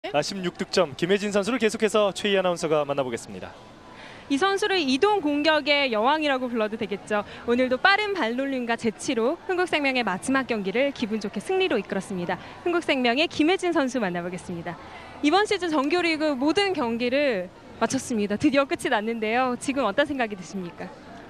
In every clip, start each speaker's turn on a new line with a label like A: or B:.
A: 16득점 김혜진 선수를 계속해서 최희 아나운서가 만나보겠습니다.
B: 이 선수를 이동 공격의 여왕이라고 불러도 되겠죠. 오늘도 빠른 발놀림과 재치로 흥국생명의 마지막 경기를 기분 좋게 승리로 이끌었습니다. 흥국생명의 김혜진 선수 만나보겠습니다. 이번 시즌 정규리그 모든 경기를 마쳤습니다. 드디어 끝이 났는데요. 지금 어떤 생각이 드십니까?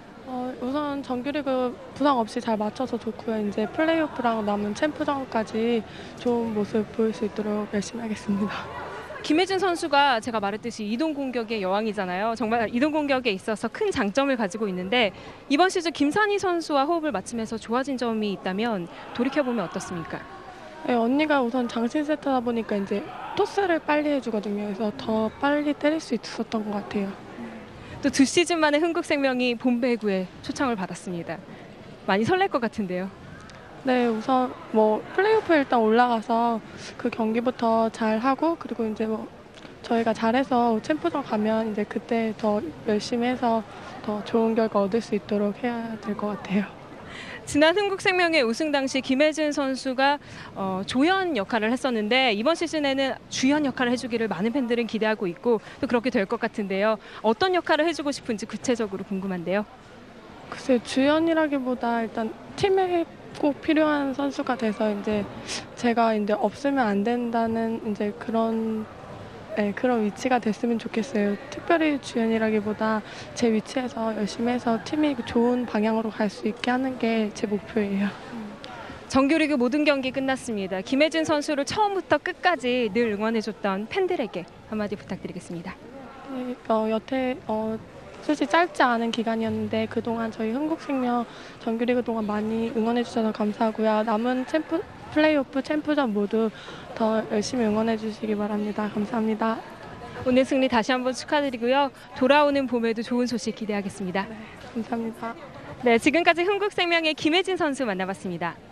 C: 우선 정규리그 부상 없이 잘 맞춰서 좋고요. 이제 플레이오프랑 남은 챔프전까지 좋은 모습 보일 수 있도록 열심히 하겠습니다.
B: 김혜진 선수가 제가 말했듯이 이동 공격의 여왕이잖아요. 정말 이동 공격에 있어서 큰 장점을 가지고 있는데 이번 시즌 김산희 선수와 호흡을 맞추면서 좋아진 점이 있다면 돌이켜보면 어떻습니까?
C: 네, 언니가 우선 장신 세터다 보니까 이제 토스를 빨리 해주거든요. 그래서 더 빨리 때릴 수 있었던 것 같아요.
B: 또 2시즌 만에 흥국생명이 본배구에 초청을 받았습니다. 많이 설렐 것 같은데요.
C: 네, 우선 플레이오프에 일단 올라가서 그 경기부터 잘 하고 그리고 이제 저희가 잘해서 챔프전 가면 이제 그때 더 열심히 해서 더 좋은 결과 얻을 수 있도록 해야 될 것 같아요.
B: 지난 흥국생명의 우승 당시 김혜진 선수가 조연 역할을 했었는데 이번 시즌에는 주연 역할을 해주기를 많은 팬들은 기대하고 있고 또 그렇게 될 것 같은데요. 어떤 역할을 해주고 싶은지 구체적으로 궁금한데요.
C: 글쎄 주연이라기보다 일단 팀에 꼭 필요한 선수가 돼서 이제 제가 이제 없으면 안 된다는 이제 그런 위치가 됐으면 좋겠어요. 특별히 주연이라기보다 제 위치에서 열심히 해서 팀이 좋은 방향으로 갈 수 있게 하는 게 제 목표예요.
B: 정규리그 모든 경기 끝났습니다. 김혜진 선수를 처음부터 끝까지 늘 응원해줬던 팬들에게 한마디 부탁드리겠습니다.
C: 네, 여태 솔직히 짧지 않은 기간이었는데 그동안 저희 흥국생명 정규리그 동안 많이 응원해주셔서 감사하고요. 남은 플레이오프 챔프전 모두 더 열심히 응원해 주시기 바랍니다. 감사합니다.
B: 오늘 승리 다시 한번 축하드리고요. 돌아오는 봄에도 좋은 소식 기대하겠습니다.
C: 네, 감사합니다.
B: 네, 지금까지 흥국생명의 김혜진 선수 만나봤습니다.